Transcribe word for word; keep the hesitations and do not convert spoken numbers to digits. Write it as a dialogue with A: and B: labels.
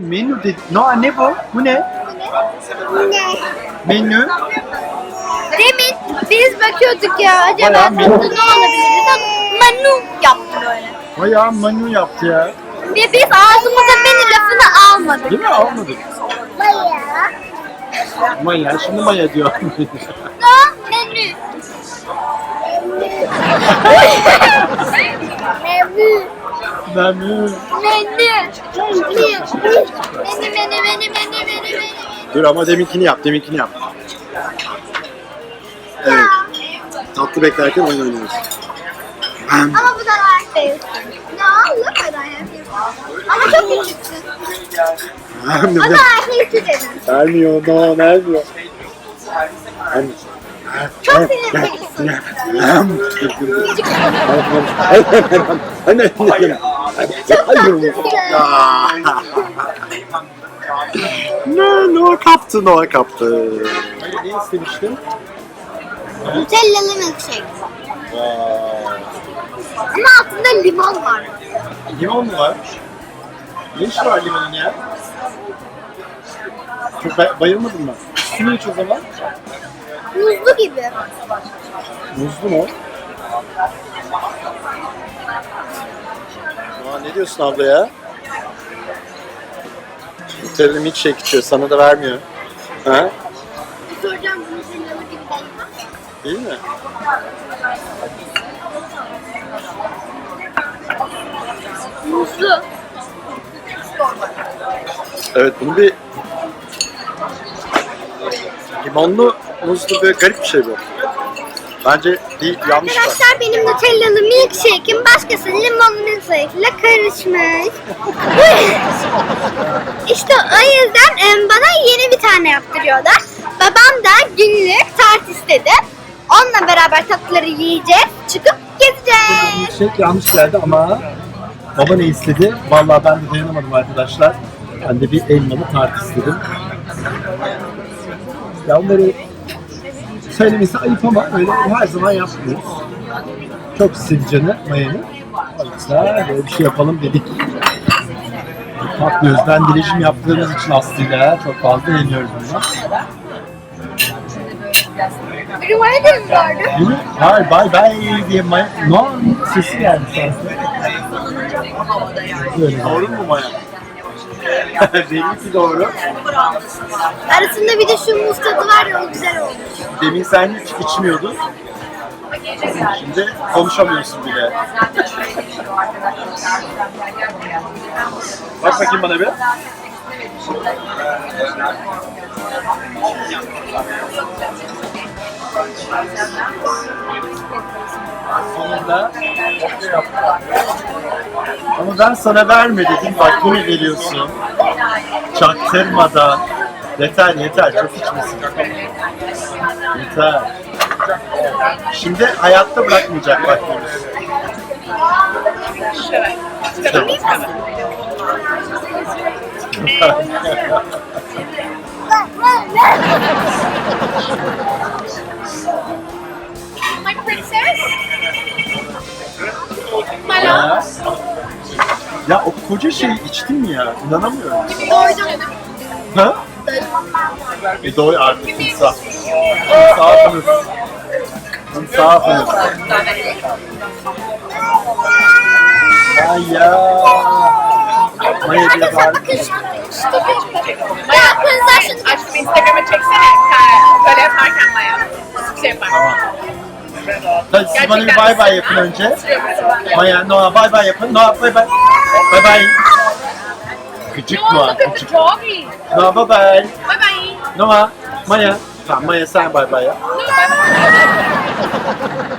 A: menü dedi. Noah ne bu? Bu ne?
B: Ne?
A: Menü.
B: Demin biz bakıyorduk ya acaba
A: Bayağı
B: tatlı ne
A: menü.
B: olabilir? Manu yaptı böyle.
A: Bayağı menü yaptı ya.
B: Ve biz ağzımıza menü lafını almadık.
A: Değil mi? Almadık.
B: Maya.
A: Maya. Şimdi Maya diyor.
B: No menü. Menü.
A: Menü.
B: Menü. Menü. Menü menü menü menü menü menü.
A: Dur ama deminkini yap. Deminkini yap. Evet. Tatlı beklerken oyun oynuyoruz.
B: Ama bu da like değil. No, look at I have you. Ama çok küçüksün. O da erkek dedim.
A: Vermiyor. Noah vermiyor. Anne.
B: Çok sinirlisin.
A: Anne.
B: Çok tatlısın.
A: Ne? Noah kaptı. Noah kaptı. Ne istemiştin?
B: Nutellalı milkshake. Ama altında limon var.
A: Limon mu var? Ne işi var limonun ya? Çok bay- bayılmadın mı? Üstünü iç o zaman.
B: Muzlu gibi.
A: Muzlu mu? Aa, ne diyorsun abla ya? Nutella milkshake içiyor, sana da vermiyor. Ha?
B: Soracağım bu nutellalı gibi değil mi?
A: Değil mi?
B: Muzlu.
A: Evet, bunu bir limonlu, muzlu böyle garip bir şey bu. Bence bir yanlış var.
B: Arkadaşlar benim nutellalı milkshake'im başkasının limonlu milkshake ile karışmış. İşte o yüzden em, bana yeni bir tane yaptırıyorlar. Babam da günlük tart istedi. Onunla beraber tatlıları yiyeceğiz, çıkıp gezeceğiz.
A: Milkshake yanlış geldi ama baba ne istedi? Vallahi ben de dayanamadım arkadaşlar. Ben de bir elmalı tart istedim. Ya onları söylemesi ayıp ama öyle her zaman yapmıyoruz. Çok istedi canı Maya'nın. O yüzden böyle bir şey yapalım dedik. Tatlıyoruz. Ben dileşim yaptığımız için Aslı'yla çok fazla eğleniyoruz bundan.
B: Benim öyle mi vardı?
A: Değil mi? Hayır, bye bye diye Maya... Noah'nın sesi geldi sanki. Böyle. Doğru mu Maya? Belli ki doğru.
B: Arasında bir de şu muz tadı var ya o güzel olmuş.
A: Demin sen hiç içmiyordun. Şimdi konuşamıyorsun bile. Bak bakayım bana bir. Sonunda ama ben sana verme dedim, bak yine veriyorsun. Çaktırmadan. Yeter yeter, çok içmesin. Yeter. Şimdi hayatta bırakmayacak bak Yunus.
B: My princess? My
A: Ya. Ya o koca şeyi içtin mi ya? İnanamıyorum.
B: Doydum.
A: Ha? E doy artık insaf. İnsafınız. İnsafınız. Ay ya. Maya diye
B: Arkadaşlar
A: bağırdı.
B: bakın şu. Ya kızlar şunu
C: Aşkım Instagram'a çeksene. Böyle yaparken Maya. Nasıl bir şey yapar?
A: Tamam. Hadi siz bana bir bay bay yapın önce. Maya, Noah bay bay yapın. Noah bay bay. Bay bay. Gıcık Noah, gıcık.
C: Doggy.
A: Noah bay bay.
C: Bye bye.
A: Noah, Maya. Tamam Maya sen bay bay yap.
C: No, bye bye.